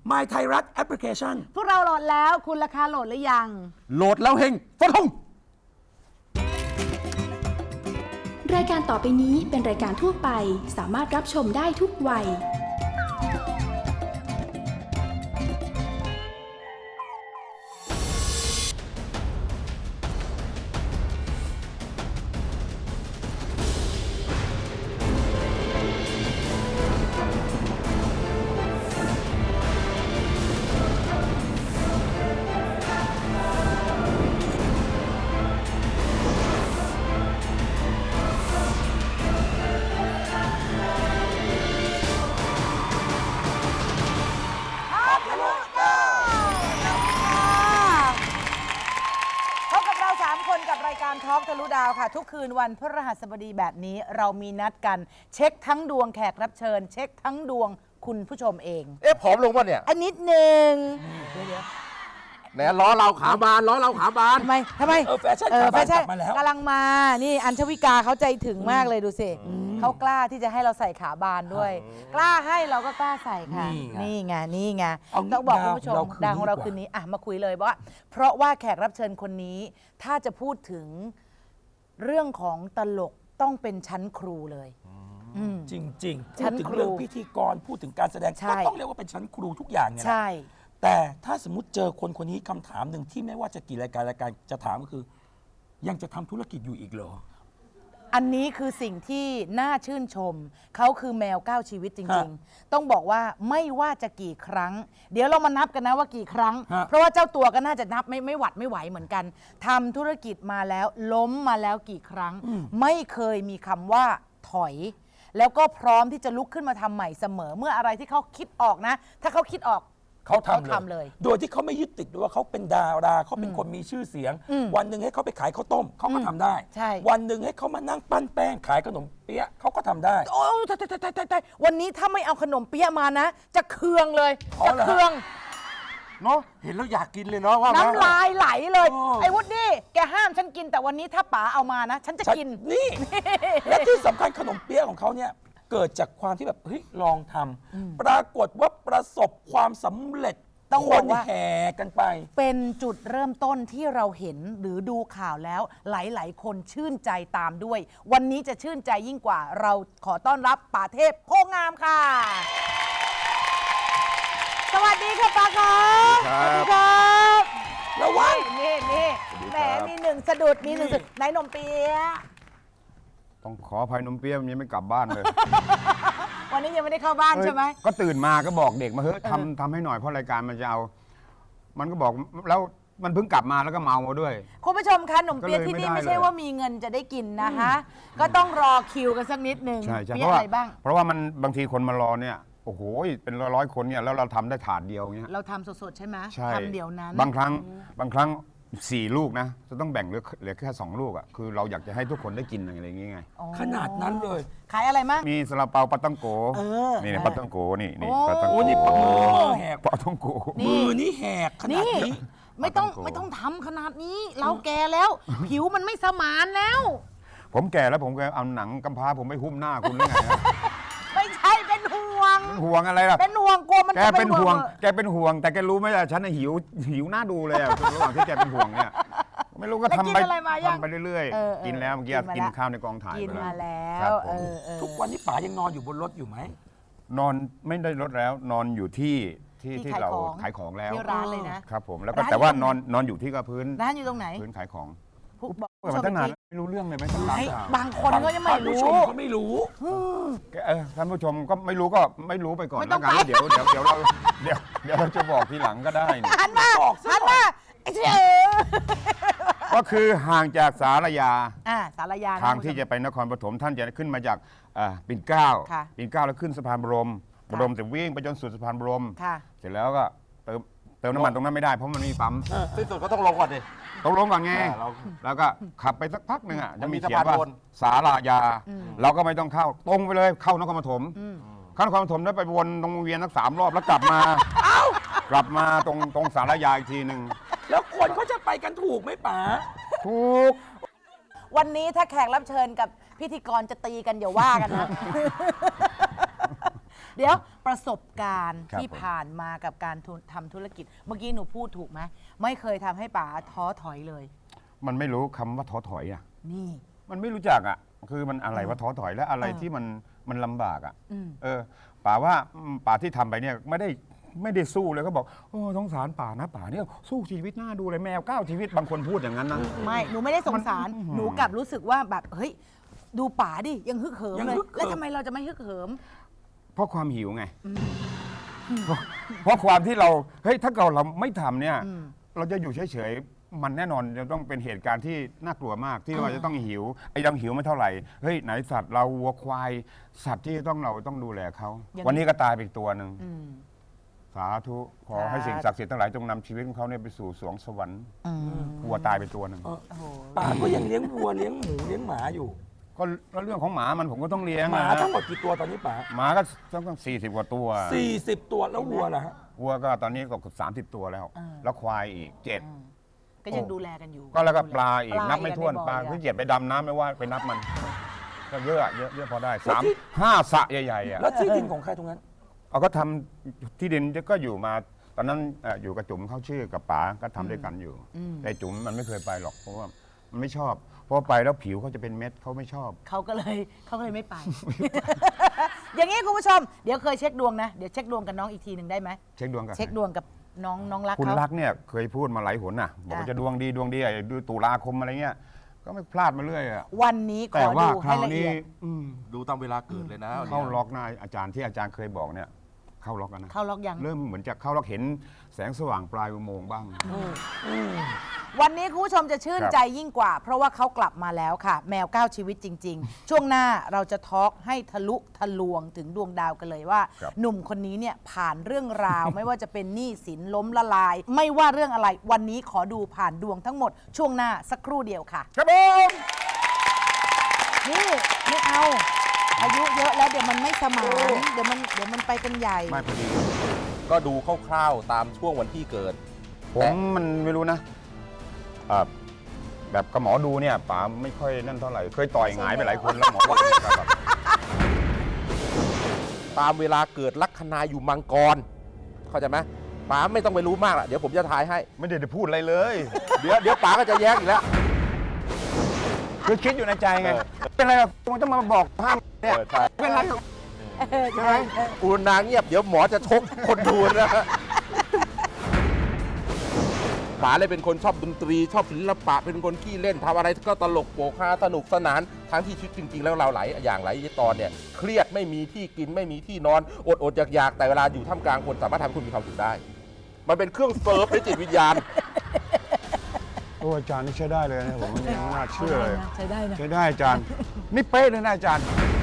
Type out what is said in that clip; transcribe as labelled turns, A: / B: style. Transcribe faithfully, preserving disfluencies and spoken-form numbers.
A: My ไทยรัฐแอปพลิเคชัน
B: พวกเราโหลดแล้วคุณราคาโหลดหรือยัง
C: โหลดแล้วเฮงฟันธง
D: รายการต่อไปนี้เป็นรายการทั่วไปสามารถรับชมได้ทุกวัย
B: ทอล์กทะลุดาวค่ะทุกคืนวันพฤหัสบดีแบบนี้เรามีนัดกันเช็คทั้งดวงแขกรับเชิญ เช็คทั้งดวงคุณผู้ชมเอง
C: เอ๊ะผอมลงป่ะเนี่ย
B: อันนิดหนึ่ง
C: แหนล้อเราขาบานล้อเราขาบาน
B: ทำไมทำไม
A: เออแฟชั่นขาบานกลับมาแล้ว
B: กำลังมานี่อัญชวิกาเขาใจถึงมากเลยดูสิเขากล้าที่จะให้เราใส่ขาบานด้วยกล้าให้เราก็กล้าใส่ค่ะนี่ไงนี่ไงต้องบอกคุณผู้ชมดาวของเราคืนนี้อ่ะมาคุยเลยว่าเพราะว่าแขกรับเชิญคนนี้ถ้าจะพูดถึงเรื่องของตลกต้องเป็นชั้นครูเลย
A: จริงๆพูดถึงเรื่องพิธีกรพูดถึงการแสดงก็ต้องเรียกว่าเป็นชั้นครูทุกอย่างเนี่ยใช่แต่ถ้าสมมติเจอคนคนนี้คำถามหนึ่งที่ไม่ว่าจะกี่รายการรายการจะถามก็คือยังจะทำธุรกิจอยู่อีกเหรอ
B: อันนี้คือสิ่งที่น่าชื่นชมเขาคือแมวเก้าชีวิตจริงๆต้องบอกว่าไม่ว่าจะกี่ครั้งเดี๋ยวเรามานับกันนะว่ากี่ครั้งเพราะว่าเจ้าตัวก็น่าจะนับไม่ไม่หวัดไม่ไหวเหมือนกันทำธุรกิจมาแล้วล้มมาแล้วกี่ครั้งไม่เคยมีคำว่าถอยแล้วก็พร้อมที่จะลุกขึ้นมาทำใหม่เสมอเมื่ออะไรที่เขาคิดออกนะถ้าเขาคิดออก
A: เขาทำเลยโดยที่เขาไม่ยึดติดด้วยว่าเขาเป็นดาราเขาเป็นคนมีชื่อเสียงวันหนึ่งให้เขาไปขายข้าวต้มเขาก็ทำได้วันหนึ่งให้เขามานั่งปั้นแป้งขายขนมเปี๊ยะเขาก็ทำได้
B: โอ้ตายตายตายตายวันนี้ถ้าไม่เอาขนมเปี๊ยะมานะจะเคืองเลยจะเคือง
C: เนาะเห็นแล้วอยากกินเลยเนาะว่า
B: น้ำลายไหลเลยไอ้วุฒิแกห้ามฉันกินแต่วันนี้ถ้าป๋าเอามานะฉันจะกิน
A: นี่และที่สำคัญขนมเปี๊ยะของเขาเนี่ยเกิดจากความที่แบบเฮ้ยลองทำปรากฏว่าประสบความสำเร็จ
B: ต้องบอกว่า
A: แห่กันไป
B: เป็นจุดเริ่มต้นที่เราเห็นหรือดูข่าวแล้วหลายๆคนชื่นใจตามด้วยวันนี้จะชื่นใจยิ่งกว่าเราขอต้อนรับป๋าเทพโพงามค่ะสวัสดีค่ะป๋าครับสวัสดีครับ
A: ระวัง
B: นี่นี่แหมมีหนึ่งสะดุดมีหนึ่งสะดุดไหนนมเปี๊ยะ
C: ต้องขออภัยนมเปี๊ยะมันยังไม่กลับบ้านเลย
B: วันนี้ยังไม่ได้เข้าบ้านใช่ไหม
C: ก็ตื่นมาก็บอกเด็กมาเฮ้ยทำทำให้หน่อยเพราะรายการมันจะเอามันก็บอกแล้วมันเพิ่งกลับมาแล้วก็เมามาด้วย
B: คุณผู้ชมคะขนมเปี๊ยะที่นี่ไม่ใช่ว่ามีเงินจะได้กินนะคะก็ต้องรอคิวกันสักนิดนึง
C: ใช่ใช่เพราะว่าเพราะว่ามันบางทีคนมารอเนี่ยโอ้โหเป็นร้อยๆคนเนี่ยแล้วเราทำได้ถาดเดียวเงี้ย
B: เราทำสดๆใช่ไหมทำเดียวนั้น
C: บางครั้งบางครั้งสี่ลูกนะจะต้องแบ่งเหลือเหลือแค่สองลูกอ่ะคือเราอยากจะให้ทุกคนได้กินอะไรอย่างเงี้ยไง
A: ขนาดนั้นเลย
B: ขายอะไรมั้ง
C: มีซาลาเปาปาตังโกนี่ปาตังโกนี่นี่
A: ปาตังโกนี่มือแหก
C: ปาตังโก
A: มือนี่แหกขนาดนี้
B: ไม่ต้องไม่ต้องทำขนาดนี้เราแก่แล้วผิวมันไม่สมานแล้ว
C: ผมแก่แล้วผมก็เอาหนังกำพร้าผมไปหุ้มหน้าคุณได้ไง
B: ไม่ใช่เป็นห่วง
C: ห่วงอะไรล่ะ
B: เป็นห่วงกลัวมัน
C: แกเป็นห่วงแกเป็นห่วงแต่แกรู้ไหมล่ะฉันหิวหิวหน้าดูเลยอ่ะระหว่างที่แกเป็นห่วงเนี่ยไม่รู้ก็ทำไปทำไปเรื่อยๆกินแล้วเมื่อกี้กินข้าวในกองถ่าย
B: กินมาแล้ว
A: ทุกวันนี้ป๋ายังนอนอยู่บนรถอยู่ไหม
C: นอนไม่ได้รถแล้วนอนอยู่ที่ที่ที่เราขายของแล้ว
B: ที่ร้านเลยนะครับ
C: ผมแล้วก็แต่ว่านอนนอนอยู่ที่กับพื้น
B: ร้านอยู่ตรงไหน
C: พื้นขายของบอกมาตั้งนานไม่รู้เรื่องเลยไหมท่านผู้ชม
B: บางคนก็ยังไม่รู้
A: ก็ไม่รู้
C: ท่านผู้ชมก็ไม่รู้ก็ไม่รู้ไปก่อนแล้วกันเดี๋ยวเดี๋ยวเดี๋ยวเราเดี๋ยวเดี๋ยวเราจะบอกทีหลังก็ได้
B: หันมาหันมาไอ้เจ้า
C: ก็คือห่างจากสารยา
B: อ่าสารยา
C: ทางที่จะไปนครปฐมท่านจะขึ้นมาจากปิ่นเกล้าปิ่นเกล้าแล้วขึ้นสะพานบรมบรมจะวิ่งไปจนสุดสะพานบรมเสร็จแล้วก็เติมเติมน้ำมันตรงนั้นไม่ได้เพราะมันมีปั๊ม
A: ที่สุดก็ต้องลงก่อนดิ
C: ต้องลงก่อนไงแล้วก็ขับไปสักพักหนึ่งอ่ะจะมีเขียนว่าสารยาเราก็ไม่ต้องเข้าตรงไปเลยเข้านครปฐมเข้านครปฐมแล้วไปวนตรงวงเวียนสักสามรอบแล้วกลับมากลับมาตรงตรงสารยาอีกทีหนึ่ง
A: แล้วคนเขาจะไปกันถูกไหมป๋า
C: ถูก
B: วันนี้ถ้าแขกรับเชิญกับพิธีกรจะตีกันอย่าว่ากันนะเดี๋ยวประสบการณ์
C: ครับ
B: ที่
C: ผม
B: ผ่านมากับการทุทำธุรกิจ เมื่อกี้หนูพูดถูกไหมไม่เคยทำให้ป๋าท้อถอยเลย
C: มันไม่รู้คำว่าท้อถอยอ่ะ
B: นี่
C: มันไม่รู้จักอ่ะ คือมันอะไรว่าท้อถอยและอะไร
B: เออ
C: ที่มันมันลำบากอ่ะ
B: อืม
C: เออป่าว่าอืมป่าที่ทำไปเนี่ยไม่ได้ไม่ได้สู้เลยก็บอกโอ้สงสารป่านะป่าเนี่ยสู้ชีวิตหน้าดูเลยแมวเก้าชีวิตบางคนพูดอย่างนั้นนะ
B: ไม่หนูไม่ได้สงสาร
C: มัน
B: หนูกลับรู้สึกว่าแบบเฮ้ยดูป๋าดิยังฮึกเหิม
A: ยัง
B: เลย
A: ฮึกเหิม
B: แล้วทำไมเราจะไม่ฮึกเหิม
C: เพราะความหิวไง เพราะเพราะความที่เราเฮ้ยถ้าเราเราไม่ทำเนี่ย
B: อืม
C: เราจะอยู่เฉยๆมันแน่นอนจะต้องเป็นเหตุการณ์ที่น่ากลัวมากที่เราจะต้องหิวไอ้ยังหิวไม่เท่าไหร่เฮ้ยไหนสัตว์เราวัวควายสัตว์ที่ต้องเราต้องดูแลเขาวันนี้ก็ตายไปอีกตัวหนึ่ง
B: อืม
C: สาธุขอให้สิ่งศักดิ์สิทธิ์ทั้งหลายจงนำชีวิตของเขาเนี่ยไปสู่สวงสวรรค์
B: อืม
C: วัวตายไปตัวหนึ่ง
A: เออ
B: โอ้โห
A: ป๋าก็ยังเลี้ยงวัวเลี้ยงหมูเลี้ยงหมาอยู่
C: ก็ก็เรื่องของหมามันผมก็ต้องเลี้ยง
A: หมา
C: นะ
A: ทั้งหมดกี่ตัวตอนนี้ป๋า
C: หมาก็ต้องสี่สิบกว่าตัว
A: สี่สิบตัวแล้ววัวล่ะฮะ
C: วัวก็ตอนนี้ก็สามสิบตัวแล้ว
B: อ่า
C: แล้วควายอีกเจ็ด
B: อืมก็ยังดูแลกันอยู่
C: ก็แล้วก็ปลาอีก
B: ปลา
C: นับไม่ถ้วน
B: อีก
C: ปลา
B: ในบ่อ
C: ที่
B: อีก
C: เจ็บไปดำน้ำไม่ว่าไปนับมันก็เยอะเยอะเยอะพอได้สาม
A: แล้วที่
C: ห้าสระใหญ่ๆอ่ะ
A: แล้วที่ดินของใครตรงนั้น
C: เอาก็ทำที่ดินก็อยู่มา ตอนนั้นเอ่ออยู่กับจุ๋มเขาชื่อกับป๋าก็ทำด้วยกันอยู่
B: อืม
C: แต่จุ๋มมันไม่เคยไปหรอกเพราะว่ามันไม่ชอบเพราะไปแล้วผิวเขาจะเป็นเม็ดเขาไม่ชอบ
B: เขาก็เลยเขาก็เลยไม่ไป อย่างนี้คุณผู้ชม เดี๋ยวเคยเช็คดวงนะ เดี๋ยวเช็คดวงกับน้องอีกทีหนึ่งได้ไหม
C: เช็คดวงกัน
B: เช็คดวงกับน้องน้องรัก
C: คุณ
B: เขา
C: รักเนี่ยเคยพูดมาหลายหนน่ะบอกว่า
B: อ่ะ
C: จะดวงดีดวงดีอ่ะดูตุลาคมอะไรเงี้ยก็ไม่พลาดมาเรื่อยอ่ะ
B: วันนี้ข
C: แต่
B: อ
C: ว่า
B: ดู
C: ค
B: ให้
C: ราว
B: ละเอี
C: นี้
B: ยด
C: อืม
E: ดูตามเวลาเกิดเลยนะ
C: เข้าล็อกนะอาจารย์ที่อาจารย์เคยบอกเนี่ยเข้าล็อกกันนะ
B: เข้าล็อกยัง
C: เริ่มเหมือนจะเข้าล็อกเห็นแสงสว่างปลายอุโมงค์บ้าง
B: วันนี้คุณผู้ชมจะชื่น
C: ครับ
B: ใจยิ่งกว่า เพราะว่าเขากลับมาแล้วค่ะ แมวเก้าชีวิตจริง ๆ ช่วงหน้าเราจะทอล์กให้ทะลุทะลวงถึงดวงดาวกันเลยว่า
C: ครับ
B: หนุ่มคนนี้เนี่ยผ่านเรื่องราว ไม่ว่าจะเป็นหนี้สินล้มละลาย ไม่ว่าเรื่องอะไร วันนี้ขอดูผ่านดวงทั้งหมด ช่วงหน้าสักครู่เดียวค่ะ
C: ครับผม
B: นี่ไม่เอา อายุเยอะแล้วเดี๋ยวมันไม่สมานเดี๋ยวมันเดี๋ยวมันไปกันใหญ่
C: ไม่พอดี
E: ก็ดูคร่าวๆตามช่วงวันที่เกิด
C: ผมมันไม่รู้นะอ่าแบบกับหมอดูเนี่ยป๋าไม่ค่อยนั่นเท่าไหร่เคยต่อยหงายไปหลายคนแล้วหมอบอกเนี่ยครับ
E: ตามเวลาเกิดลัคนาอยู่มังกร เข้าใจไหมป๋าไม่ต้องไปรู้มากละเดี๋ยวผมจะทายให้
C: ไม่ได้จะพูดอะไรเลย
E: เดี๋ยวเดี๋ยวป๋าก็จะแย้งอีกแล้ว
C: คือคิดอยู่ในใจไง
E: เออ
C: เป็นไรอ่ะมันจะมาบอกห้ามเนี่ย
E: เออใช่
C: เป็นไรอ่ะ ใช่ไหม
E: อุณาเงียบเดี๋ยวหมอจะชกคนดูนะป๋าเลยเป็นคนชอบดนตรีชอบศิลปะเป็นคนขี้เล่นทำอะไรก็ตลกโปกฮาสนุกสนานทั้งที่ชีวิตจริง ๆ แล้วเราหลายอย่างหลายตอนเนี่ยเครียดไม่มีที่กินไม่มีที่นอนอดอดอยากอยากๆแต่เวลาอยู่ท่ามกลางคนสามารถทำให้คุณมีความสุขได้ มันเป็นเครื่องเซิร์ฟในจิตวิญญาณ
C: โอ้อาจารย์นี่ใช้ได้เลยนะผมไม่น่าเชื่อเลย
B: ใช้ได้นะ
C: ใช้ได้อาจารย์ นี่เป๊ะเลยนะอาจารย์